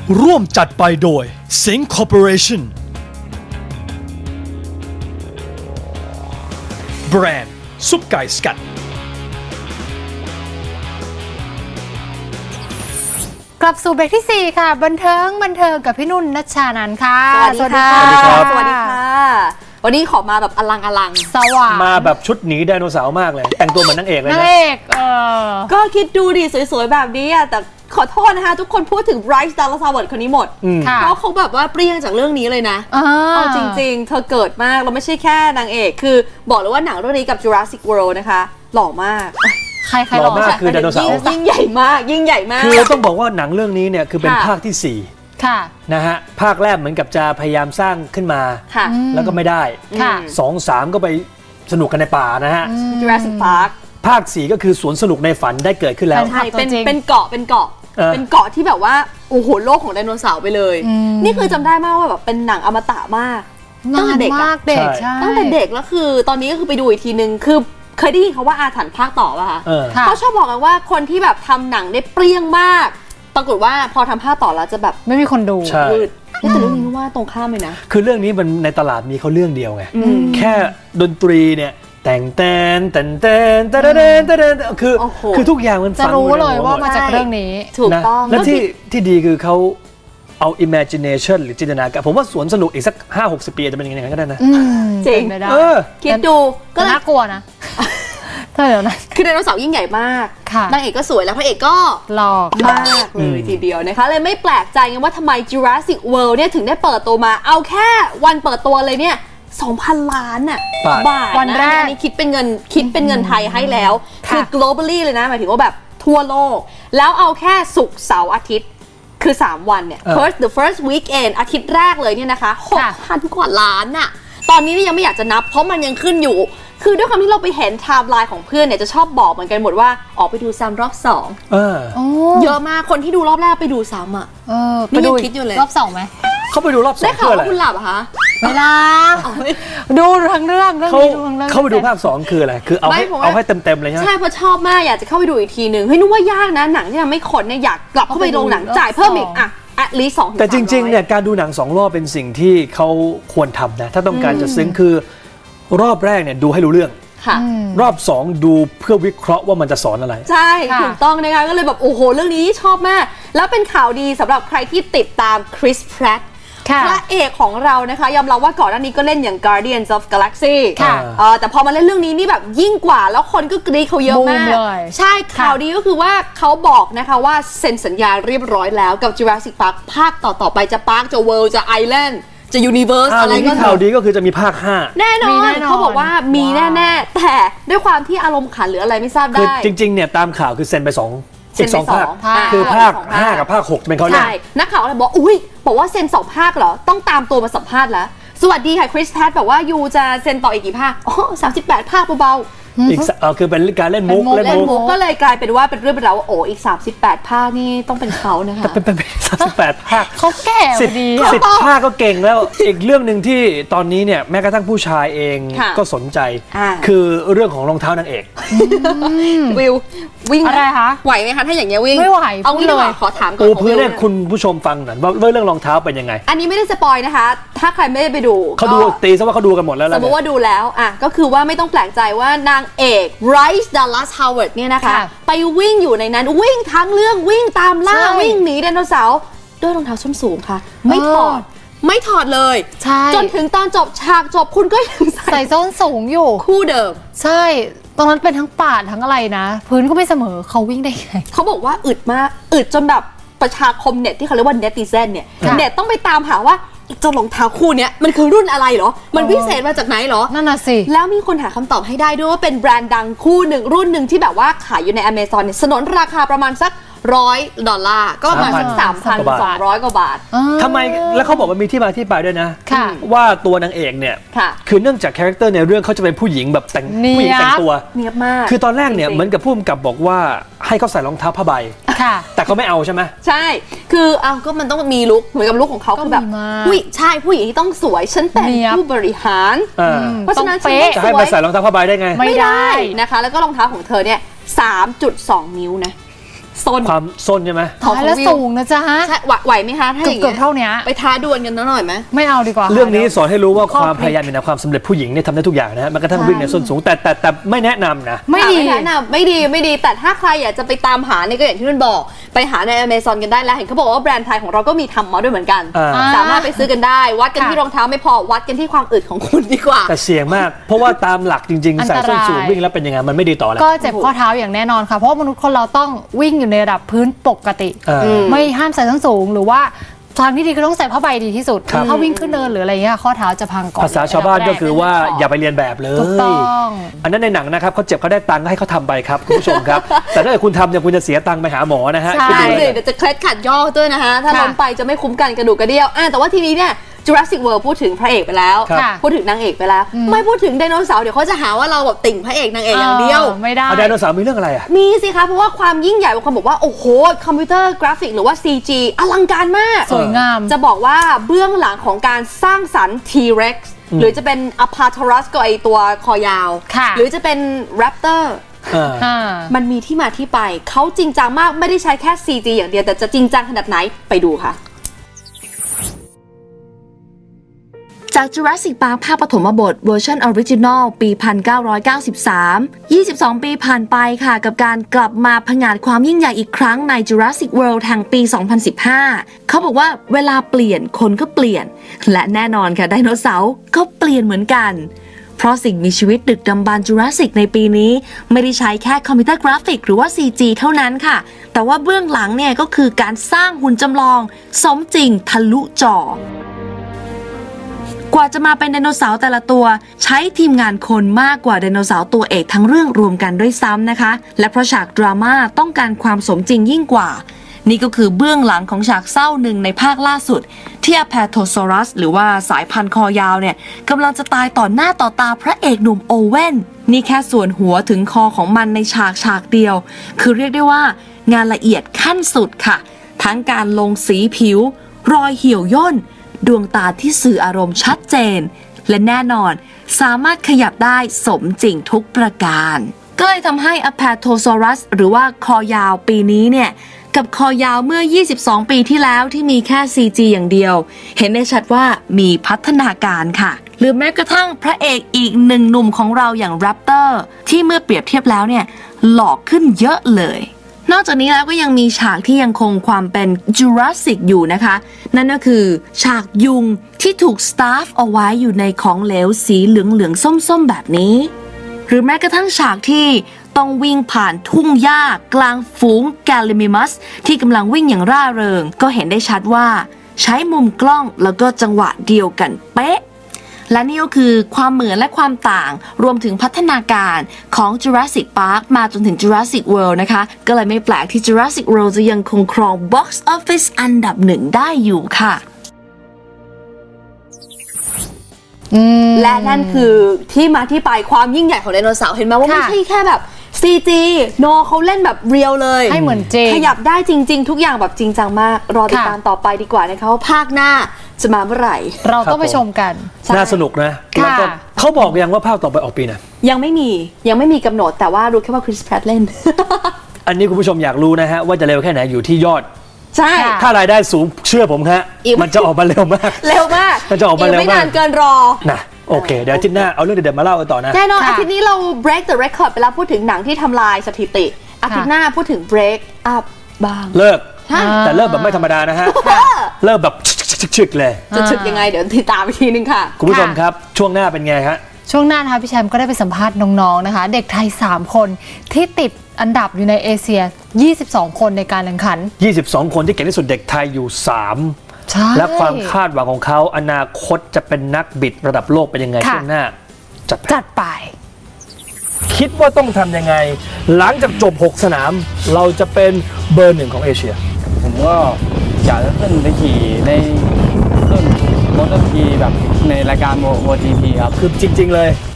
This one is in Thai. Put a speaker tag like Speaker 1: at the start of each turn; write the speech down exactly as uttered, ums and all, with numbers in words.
Speaker 1: ร่วมจัดไปโดย Sing Corporation แบรนด์ซุปไก่สกัด
Speaker 2: กลับสู่เบรกที่สี่ค่ะบันเทิงบันเทิงกับพี่นุ่นณชานันท์ค่ะ
Speaker 3: สวัสดีค่ะ
Speaker 1: สวัสดีครับ
Speaker 3: สวัสดีค่ะวันนี้ขอมาแบบอลังอลัง
Speaker 2: สว่าง
Speaker 1: มาแบบชุดหนีไดโนเสาร์มากเลย แต่งตัวเหมือนนางเอกเลย
Speaker 2: นาง
Speaker 1: นะ
Speaker 2: เอกเออ
Speaker 3: ก็คิดดูดิสวยๆแบบนี้อะแต่ขอโทษนะคะทุกคนพูดถึงไบรท์ดัลลัสฮาวเวิร์ดคนนี้หมด
Speaker 2: ค่ะ
Speaker 3: เพราะเขาแบบว่าเปรี้ยงจากเรื่องนี้เลยนะ
Speaker 2: อ่า
Speaker 3: เอาจริงๆ เธอเกิดมากเราไม่ใช่แค่นางเอกคือบอกเลยว่าหนังเรื่องนี้กับ Jurassic World นะคะหล่อมาก
Speaker 2: ใครใคร
Speaker 1: หล่อมากคือไดโนเสาร์
Speaker 3: ยิ่งยิ่งใหญ่มากยิ่งใหญ่มาก
Speaker 1: คือต้องบอกว่าหนังเรื่องนี้เนี่ยคือเป็น
Speaker 3: ค่ะ
Speaker 1: ภาคที่สี่
Speaker 2: ค่ะ
Speaker 1: นะฮะภาคแรกเหมือนกับจะพยายามสร้างขึ้นมา
Speaker 3: ค่ะ
Speaker 1: แล้วก็ไม่ได้
Speaker 2: ค่ะ
Speaker 1: สองสามก็ไปสนุกกันในป่านะฮะ
Speaker 3: Jurassic Park
Speaker 1: ภาคสี่ก็คือสวนสนุกในฝันได้เกิดขึ้นแล้ว
Speaker 2: แฟ
Speaker 3: ใช่เป็น
Speaker 2: ตัวจริง
Speaker 3: เป็นเกาะเป็นเกาะ
Speaker 1: เออ
Speaker 3: เป็นเกาะที่แบบว่าโอ้โหโลกของไดโนเสาร์ไปเลย
Speaker 2: อืม
Speaker 3: นี่คือจำได้มากว่าแบบเป็นหนังอมตะมาก ตั้ง
Speaker 2: นา
Speaker 3: แต่
Speaker 2: น
Speaker 3: เด็กอะ
Speaker 2: มากเด็ก
Speaker 1: ใช่
Speaker 2: ใช่
Speaker 3: ตั้งแต่เด็กแล้วคือตอนนี้ก็คือไปดูอีกทีนึงคือเคยได้ยินเขาว่าอาถรรพ์ภาคต่อป่ะคะ
Speaker 1: เออ
Speaker 2: ค่ะ
Speaker 3: เขาชอบบอกกันว่าคนที่แบบทำหนังได้เปรี้ยงมาก ปรากฏว่าพอทำภาคต่อแล้วจะแบบ
Speaker 2: ไม่มีคนดู
Speaker 1: ใช่
Speaker 3: วืดแต่เรื่องนี้ว่าตรงข้ามเลยนะ
Speaker 1: คือเรื่องนี้มันในตลาดมีเขาเรื่องเดียวไง
Speaker 3: อืม
Speaker 1: แค่ดนตรีเนี่ยแต่งแตนแต่งแตนแต่แตนแต่แตนคือ
Speaker 3: โอ้โห
Speaker 1: คือทุกอย่างมัน
Speaker 2: จะ
Speaker 1: ฝัง
Speaker 2: รู้
Speaker 1: อใน
Speaker 2: เลย
Speaker 1: หั
Speaker 2: ว่า
Speaker 1: หด
Speaker 2: มาจากเรื่องนี้
Speaker 3: ถูก
Speaker 1: นะ
Speaker 3: ต้อง
Speaker 1: และที่ที่ดีคือเขาเอา imagination หรือจินตนาการผมว่าสวนสนุกอีกสัก ห้าหกสิบ ปีอาจจะเป็นอย่างนั้นก็ได้นะ
Speaker 2: อืม
Speaker 3: จริง
Speaker 2: เป็นไปได้
Speaker 1: เออ
Speaker 3: คิดดูก็
Speaker 2: ก็
Speaker 3: เลย
Speaker 2: น่ากลัวนะถ้าเดี๋ยวนะ
Speaker 3: คือไดโนเสาร์ยิ่งใหญ่มาก
Speaker 2: ค่ะ
Speaker 3: นางเอกก็สวยแล้วพระเอกก็
Speaker 2: หลอก
Speaker 3: มากเลยทีเดียวนะคะเลยไม่แปลกใจไงว่าทำไม Jurassic World เนี่ยถึงได้เปิดตัวมาเอาแค่วันเปิดตัวเลยเนี่ย สองพัน ล้านน่ะ
Speaker 1: บาท
Speaker 3: บาท
Speaker 2: วันแรก
Speaker 3: อันนี้คิดเป็นเงินคิดเป็นเงินไทยให้แล้ว
Speaker 2: ค่ะ
Speaker 3: คือ globally เลยนะหมายถึงว่าแบบทั่วโลก แล้วเอาแค่ศุกร์เสาร์อาทิตย์ คือ สาม วันเนี่ย
Speaker 1: เออ
Speaker 3: first the first weekend อาทิตย์แรกเลยเนี่ยนะคะ
Speaker 2: ค่ะ
Speaker 3: หกพัน กว่าล้านน่ะตอนนี้นี่ยังไม่อยากจะนับเพราะมันยังขึ้นอยู่ คือด้วยความที่เราไปเห็นไทม์ไลน์ของเพื่อนเนี่ยจะชอบบอกเหมือนกันหมดว่าออกไปดูซ้ำรอบสอง
Speaker 1: เออ
Speaker 2: โอ้
Speaker 3: เยอะมากคนที่ดูรอบแรกไปดูซ้ำอ่ะ
Speaker 2: เออ
Speaker 3: นี่
Speaker 2: ไปดู
Speaker 3: ยังคิดอยู่เลย
Speaker 2: รอบสองไหม
Speaker 1: เขาไปดูรอบสอ
Speaker 3: ได้
Speaker 1: ง
Speaker 3: ข่าว
Speaker 1: เพื่ออะไร
Speaker 3: ว่าคุณหลับเหรอคะ
Speaker 2: เวลาดูทั้งเรื่องเรื่อง
Speaker 1: เขา
Speaker 2: นี้ดูทั้งเรื่อง
Speaker 1: เขาไปดูภาคสองคืออะไรคือเอาให้
Speaker 3: ไม่ผมว่า
Speaker 1: เอาให้เต็มเต็มๆเลยใช่ไหม
Speaker 3: ใช่เพราะชอบมากอยากจะเข้าไปดูอีกทีหนึ่งเฮ้ยนึกว่ายากนะหนังที่ทำให้คนเนี่ยอยากกลับเข้าไปโรงหนังจ่ายเพิ่มอีกอ่ะ at least สองถึง
Speaker 1: แต่จริงๆ
Speaker 3: สามร้อ
Speaker 1: เนี่ยการดูหนังสองรอบเป็นสิ่งที่เขาควรทำนะถ้าต้องการจะซึ้งคือรอบแรกเนี่ยดูให้รู้เรื่อง
Speaker 3: ค่ะ
Speaker 2: อืม
Speaker 1: รอบสองดูเพื่อวิเคราะห์ว่ามันจะสอนอะไร
Speaker 3: ใช่
Speaker 2: ค่ะ
Speaker 3: ถูกต้องนะคะก็เลยแบบโอ้โหเรื่องนี้ชอบมาก แล้วเป็นข่าวดีสำหรับใครที่ติดตามคริสแพรต
Speaker 2: ค่ะ
Speaker 3: พระเอกของเรานะคะยอมรับว่าก่อนหน้านี้ก็เล่นอย่าง Guardians of Galaxy
Speaker 2: ค่ะ
Speaker 3: เออแต่พอมาเล่นเรื่องนี้นี่แบบยิ่งกว่าแล้วคนก็กรี๊ดเขาเยอะ
Speaker 2: บูม
Speaker 3: มาก
Speaker 2: เลย
Speaker 3: ใช่ข่าวดีก็คือว่าเขาบอกนะคะว่าเซ็นสัญญาเรียบร้อยแล้วกับ Jurassic Park ภาคต่อ ๆ ไปจะปาร์คจะ World จะ Island จะ Universe
Speaker 1: อ้าว
Speaker 3: อะไร
Speaker 1: นี่
Speaker 3: ก็
Speaker 1: ข่าวดีก็คือจะมีภาคห้า
Speaker 3: แน่น
Speaker 2: มี
Speaker 3: อ
Speaker 2: แน่
Speaker 3: น
Speaker 2: นอน
Speaker 3: เขาบอกว่ามี
Speaker 2: ว้าว
Speaker 3: แน่ๆแต่ด้วยความที่อารมณ์ขันหรืออะไรไม่ทราบ
Speaker 1: คือ
Speaker 3: ได้
Speaker 1: จริงๆเนี่ยตามข่าวคือเซ็นไปสอง
Speaker 3: เซ็
Speaker 1: อี
Speaker 3: น
Speaker 1: ก
Speaker 3: ไป
Speaker 1: สองภาค
Speaker 3: สองภาค
Speaker 1: คือภาค
Speaker 3: สองภาค
Speaker 1: ห้ากับภาคหกเป็นเขาเล่น
Speaker 3: ใช่นักข่าวเลยบอกอุ้ยบอกว่าเซ็นสองภาคเหรอ ต้องตามตัวมาสัมภาษณ์แล้ว สวัสดีค่ะคริสแพทบอกว่ายูจะเซ็นต่ออีกกี่ภาค อ๋อสามสิบแปดภาคเบา
Speaker 1: อีกสเออคือเป็นการเล่นมุก
Speaker 2: เป็นมุก
Speaker 3: ๆเล่น
Speaker 1: มุ
Speaker 3: มุ
Speaker 1: ก
Speaker 3: กก็เลยกลายเป็นว่าเป็นเรื่องเป็นราวว่าโอ้อีกสามสิบแปดภาคนี่ต้องเป็นเขานะคะ
Speaker 1: เป็นเป็นสามสิบแปดภาค
Speaker 2: เขาแก่
Speaker 1: สิบ
Speaker 2: ดี
Speaker 1: สิบภาคก็เก่งแล้ว อีกเรื่องหนึ่งที่ตอนนี้เนี่ยแม้กระทั่งผู้ชายเอง
Speaker 3: ค่ะ
Speaker 1: ก็สนใจ
Speaker 3: อ่า
Speaker 1: คือเรื่องของรองเท้านางเอก
Speaker 3: วิววิ่ง
Speaker 2: อะไรคะ
Speaker 3: ไหวไหมคะถ้าอย่างเงี้ยวิ่ง
Speaker 2: ไม่ไหว
Speaker 3: เอางี้
Speaker 2: พูด
Speaker 3: ดีกว่า
Speaker 2: เลย
Speaker 3: ขอถามก่อน
Speaker 1: ปู
Speaker 3: ของ
Speaker 1: พื้น
Speaker 3: วิว
Speaker 1: ให้
Speaker 3: เนี่ย
Speaker 1: คุณผู้ชมฟังหน่อยว่าเรื่องรองเท้าเป็นยังไง
Speaker 3: อันนี้ไม่ได้สปอยนะคะ ถ้าใครไม่ได้ไปดู
Speaker 1: เขาดู
Speaker 3: ก็
Speaker 1: ตีซะว่าเขาดูกันหมดแล้ว
Speaker 3: ส
Speaker 1: แล้
Speaker 3: ม
Speaker 1: ว
Speaker 3: มติว่าดูแล้วอ่ะก็คือว่าไม่ต้องแปลกใจว่านางเอกไรซ์ดัลลัสฮาวเวิร์ดเนี่ยนะคะ
Speaker 2: ค่ะ
Speaker 3: ไปวิ่งอยู่ในนั้นวิ่งทั้งเรื่องวิ่งตามล่า
Speaker 2: ใช่
Speaker 3: วิ่งหนีไดโนเสาร์ด้วยรองเท้าส้นสูงค่ะ ไม่ถอด
Speaker 2: เออ
Speaker 3: ไม่ถอดเลย
Speaker 2: ใช่
Speaker 3: จนถึงตอนจบฉากจบคุณก็ยังใส่
Speaker 2: ใส่ส้นสูงอยู่
Speaker 3: คู่เดิม
Speaker 2: ใช่ ตรงนั้นเป็นทั้งป่าทั้งอะไรนะ พื้นก็ไม่เสมอเขาวิ่งได้ไง
Speaker 3: เขาบอกว่าอึดมากอึดจนแบบประชาคมเน็ตที่เขาเรียกว่าเนติเซนเนี่ย
Speaker 2: ค่ะ
Speaker 3: เน็ตต้องไปตามหาว่าอีกเจ้ารองเท้าคู่เนี้ยมันคือรุ่นอะไรเหรอมันวิเศษมาจากไหนเหรอ
Speaker 2: นั่นน่ะสิ
Speaker 3: แล้วมีคนหาคำตอบให้ได้ด้วยว่าเป็นแบรนด์ดังคู่หนึ่งรุ่นหนึ่งที่แบบว่าขายอยู่ใน Amazon เนี่ยสนนราคาประมาณสักร้อยดอลลาร์ก็ประมาณสักสามพันสองร้อยกว่าบาท
Speaker 1: ทำไมแล้วเขาบอกว่ามีที่มาที่ไปด้วยนะ
Speaker 2: ค่ะ
Speaker 1: ว่าตัวนางเอกเนี่ย
Speaker 3: ค่ะ
Speaker 1: คือเนื่องจากคาแรคเตอร์ในเรื่องเขาจะเป็นผู้หญิงแบบแต่ง
Speaker 2: เนี๊ยบ
Speaker 1: ผู้หญิงแต่งตัว
Speaker 3: เนียบมาก
Speaker 1: คือตอนแรกเนี่ย
Speaker 3: จริงๆ
Speaker 1: เหมือนกับผู้กำกับบอกว่าให้เขาใส่รองเท้าผ้าใบ
Speaker 2: ค่ะ
Speaker 1: แต่เขาไม่เอาใช่ไหม
Speaker 3: ใช่ คือเอาก็มันต้องมีลุคเหมือนกับลุคของเขา
Speaker 2: ก็
Speaker 3: คือแบบ
Speaker 2: มีมาก
Speaker 3: ผู้หญิงใช่ผู้หญิงที่ต้องสวยฉันแต่ง
Speaker 2: เนี๊ยบ
Speaker 3: ผู้บริหาร
Speaker 1: อ่า
Speaker 3: เพราะฉะนั้น
Speaker 2: ต้อง
Speaker 3: ฉัน
Speaker 2: เป๊ะ
Speaker 3: ต้อง
Speaker 1: จะให้
Speaker 3: สว
Speaker 1: มาย ใส่รองเท้าผ้าใบได้ไง
Speaker 2: ไม่ได้
Speaker 3: นะคะ แล้วก็รองเท้าของเธอเนี่ย สามจุดสอง นิ้วนะโซน
Speaker 1: ความส้นใช่ไหม
Speaker 3: ของ
Speaker 2: แล้ว
Speaker 3: วิว
Speaker 2: สูงนะจ๊ะฮะ
Speaker 3: ใช่ไหวไหวไหมคะถ้าอย่าง
Speaker 2: เกือบ
Speaker 3: เงี้ย
Speaker 2: เท่านี้
Speaker 3: ไปท้าดวลกันหน่อยไหม
Speaker 2: ไม่เอาดีกว่า
Speaker 1: เรื่องนี้สอนให้รู้ว่า
Speaker 2: ข้อ
Speaker 1: ความ
Speaker 2: พลิก
Speaker 1: พยายามเป็นความสำเร็จผู้หญิงเนี่ยทำได้ทุกอย่างนะฮะแม้กระทั่ง
Speaker 3: ใช่
Speaker 1: วิ่งในส้นสูงแต่แต่แต่ไม่แนะนำนะ
Speaker 2: ไม่ดี
Speaker 3: อ่ะแนะนำไม่ดีไม่ดีแต่ถ้าใครอยากจะไปตามหาเนี่ยก็อย่างที่นุ่นบอกไปหาใน Amazon กันได้แล้วเห็นเขาบอกว่าแบรนด์ไทยของเราก็มีทำมาด้วยเหมือนกัน
Speaker 1: อ่า
Speaker 3: สามารถไปซื้อกันได้วัดกัน
Speaker 2: ค่ะ
Speaker 3: ที่รองเท้าไม่พอวัดกันที่ความอึดของคุณดีกว่า
Speaker 1: แต่เสี่ยงมาก เพราะว่าตามหลักจริง
Speaker 2: อั
Speaker 1: ๆ
Speaker 2: น
Speaker 1: ใส่
Speaker 2: ตราย
Speaker 1: ส้นสูงวิ่งแล้วเป็นยังไงมันไม่ดีต่อแล้ว
Speaker 2: ก็เจ็บข้อเท้าอย่างแน่นอนค่ะ เพราะว่ามนุษย์คนเราต้องวิ่งอยู่ในระดับพื้นปกติ
Speaker 1: เอออื
Speaker 3: ม
Speaker 2: ไม่ห้ามใส่ส้นสูงหรือว่าทางที่ดีคือต้องใส่ผ้าใบดีที่สุด
Speaker 1: ครับ
Speaker 2: ถ้าวิ่งขึ้นเนินหรืออะไรเงี้ยข้อเท้าจะพังก่อน
Speaker 1: ภาษาชาวบ้านก็คือว่าอย่าไปเรียนแบบเลย
Speaker 2: ถูกต้อง
Speaker 1: อันนั้นในหนังนะครับเขาเจ็บเขาได้ตังค์ก็ให้เขาทำไปครับคุณผู้ชมครับ แต่ถ้าเกิดคุณทำเนี่ยคุณจะเสียตังค์ไปหาหมอนะฮะ
Speaker 2: ใช่
Speaker 1: คิด
Speaker 3: ใช่
Speaker 1: ดู
Speaker 3: เล
Speaker 1: เลย ย
Speaker 3: เดี๋ยวจะเคล็ดขัดย่อด้วยนะคะถ้า
Speaker 2: ค่ะ
Speaker 3: ล้มไปจะไม่คุ้มกันกระดูกกระเดี่ยวอ่ะแต่ว่าทีนี้เนี่ย Jurassic World พูดถึงพระเอกไปแล้ว
Speaker 1: ครับ
Speaker 2: ค่ะ
Speaker 3: พูดถึงนางเอกไปแล้ว
Speaker 2: อืม
Speaker 3: ไม่พูดถึงไดโนเสาร์เดี๋ยวเขาจะหาว่าเราแบบติ่งพระเอกนางเอกอย่างเดียว
Speaker 2: ไม่ได้
Speaker 1: เอาไดโนเสาร์มีเรื่องอะไรอ่ะ
Speaker 3: มีสิคะเพราะว่าความยิ่งใหญ่บางคนบอกว่า โอ้โห คอมพิวเตอร์กราฟิกหรือว่า ซี จี อลังการมาก
Speaker 2: สวยงาม
Speaker 3: จะบอกว่าเบื้องหลังของการสร้างสรรค์ T-Rex หรือจะเป็น Apatosaurus ก็ไอตัวคอยาว
Speaker 2: ค่ะ
Speaker 3: หรือจะเป็น Raptor
Speaker 1: อ่า
Speaker 2: อ่า
Speaker 3: มันมีที่มาที่ไป เขาจริงจังมากไม่ได้ใช้แค่ ซี จี อย่างเดียว แต่จะจริงจังขนาดไหนไปดูค่ะ จาก Jurassic Park ภาคปฐมบทเวอร์ชันออริจินอลปี หนึ่งพันเก้าร้อยเก้าสิบสาม ยี่สิบสอง ปีผ่านไปค่ะ กับการกลับมาผงาดความยิ่งใหญ่อีกครั้งใน Jurassic World แห่งปี สองพันสิบห้า เขาบอกว่าเวลาเปลี่ยนคนก็เปลี่ยน และแน่นอนค่ะไดโนเสาร์ก็เปลี่ยนเหมือนกัน เพราะสิ่งมีชีวิตดึกดำบรรพ์ Jurassic ในปีนี้ไม่ได้ใช้แค่คอมพิวเตอร์กราฟิกหรือว่า ซี จี เท่านั้นค่ะ แต่ว่าเบื้องหลังเนี่ยก็คือการสร้างหุ่นจำลองสมจริงทะลุจอ กว่าจะมาเป็นไดโนเสาร์แต่ละตัวใช้ทีมงานคนมากกว่าไดโนเสาร์ตัวเอกทั้งเรื่องรวมกันด้วยซ้ำนะคะ และเพราะฉากดราม่าต้องการความสมจริงยิ่งกว่า นี่ก็คือเบื้องหลังของฉากเศร้าหนึ่งในภาคล่าสุด ที่ Apatosaurus หรือว่าสายพันธุ์คอยาวเนี่ยกำลังจะตายต่อหน้าต่อตาพระเอกหนุ่มโอเว่นนี่แค่ส่วนหัวถึงคอของมันในฉากฉากเดียว คือเรียกได้ว่างานละเอียดขั้นสุดค่ะ ทั้งการลงสีผิว รอยเหี่ยวย่นดวงตาที่สื่ออารมณ์ชัดเจน และแน่นอนสามารถขยับได้สมจริงทุกประการ ก็เลยทำให้ Apatosaurus หรือว่าคอยาวปีนี้เนี่ยกับคอยาวเมื่อ ยี่สิบสอง ปีที่แล้วที่มีแค่ ซี จี อย่างเดียว เห็นได้ชัดว่ามีพัฒนาการค่ะ หรือแม้กระทั่งพระเอกอีกหนึ่งหนุ่มของเราอย่าง Raptor ที่เมื่อเปรียบเทียบแล้วเนี่ยหล่อขึ้นเยอะเลยนอกจากนี้แล้วก็ยังมีฉากที่ยังคงความเป็น Jurassic อยู่นะคะ นั่นก็คือฉากยุงที่ถูกสตาฟเอาไว้อยู่ในของเหลวสีเหลืองๆส้มๆแบบนี้ หรือแม้กระทั่งฉากที่ต้องวิ่งผ่านทุ่งหญ้ากลางฝูงแกลิมิมัสที่กำลังวิ่งอย่างร่าเริง ก็เห็นได้ชัดว่าใช้มุมกล้องแล้วก็จังหวะเดียวกันเป๊ะ และนี่ก็คือความเหมือนและความต่างรวมถึงพัฒนาการของ Jurassic Park มาจนถึง Jurassic World นะคะ ก็เลยไม่แปลกที่ Jurassic World จะยังคงครอง Box Office อันดับหนึ่งได้อยู่ค่ะ และนั่นคือที่มาที่ไปความยิ่งใหญ่ของไดโนเสาร์เห็นไหมว่าไม่
Speaker 2: ค่ะ
Speaker 3: ใช่แค่แบบ ซี จี โนเขาเล่นแบบเรียลเลย
Speaker 2: ให้เหมือนจริง
Speaker 3: ขยับได้จริง ๆ ทุกอย่างแบบจริงจังมาก รอติดตามต่อไปดีกว่านะคะว่าภาคหน้าจะมาเมื่อไหร่
Speaker 2: เราต้องไปชมกัน
Speaker 3: ใช่
Speaker 1: น่าสนุกนะ
Speaker 2: ค่ะ
Speaker 1: แล้วก็เขาบอกยังว่าภาคต่อไปออกปีไหนะ
Speaker 3: ยังไม่มียังไม่มีกำหนดแต่ว่ารู้แค่ว่าคริสแพรตเล่น
Speaker 1: อันนี้คุณผู้ชมอยากรู้นะฮะว่าจะเร็วแค่ไหนอยู่ที่ยอด
Speaker 3: ใช่
Speaker 2: ค่ะ
Speaker 1: ถ้ารายได้สูงเชื่อผมฮะ
Speaker 3: อีก
Speaker 1: มันจะออกมาเร็วมาก
Speaker 3: เร็วมาก
Speaker 1: มันจะออกมาเร็วมาก
Speaker 3: ไม่นานเกินรอ
Speaker 1: นะโอเค เดี๋ยวอาทิตย์หน้าเอาเรื่องเด็ดๆมาเล่ากันต่อนะ
Speaker 3: แน่นอน
Speaker 2: ค่ะ
Speaker 3: อาทิตย์นี้เรา break the record ไปแล้วพูดถึงหนังที่ทำลายสถิติอาทิตย์หน้าพูดถึง break up บ้าง
Speaker 1: เลิก
Speaker 3: ฮะ
Speaker 1: แต่เลิกแบบไม่ธรรมดานะฮะ เลิกแบบชึกๆๆเลย
Speaker 3: จะถึกยังไงเดี๋ยวติดตามอีกทีนึงค่ะ
Speaker 1: คุณผู้ชมครับ ช่วงหน้าเป็นไงฮะ
Speaker 2: ช่วงหน้านะคะพี่แชมป์ก็ได้ไปสัมภาษณ์น้องๆนะคะ เด็กไทย สาม คนที่ติดอันดับอยู่ในเอเชีย ยี่สิบสอง คนในการแข่งขัน
Speaker 1: ยี่สิบสอง คนที่เก่งที่สุดเด็กไทยอยู่ สาม
Speaker 2: ใช่
Speaker 1: และความคาดหวังของเขาอนาคตจะเป็นนักบิดระดับโลกเป็นยังไง
Speaker 2: ค่ะ
Speaker 1: ช่วงหน้าจัดไป
Speaker 2: จัดไป
Speaker 1: คิดว่าต้องทำยังไง หลังจากจบ หก สนาม เราจะเป็นเบอร์หนึ่งของเอเชีย
Speaker 4: ผมก็อยากจะขึ้นไปขี่ในรุ่นมอเตอร์ทีแบบในรายการโมทีพีครับ
Speaker 1: คือจริง ๆ เลย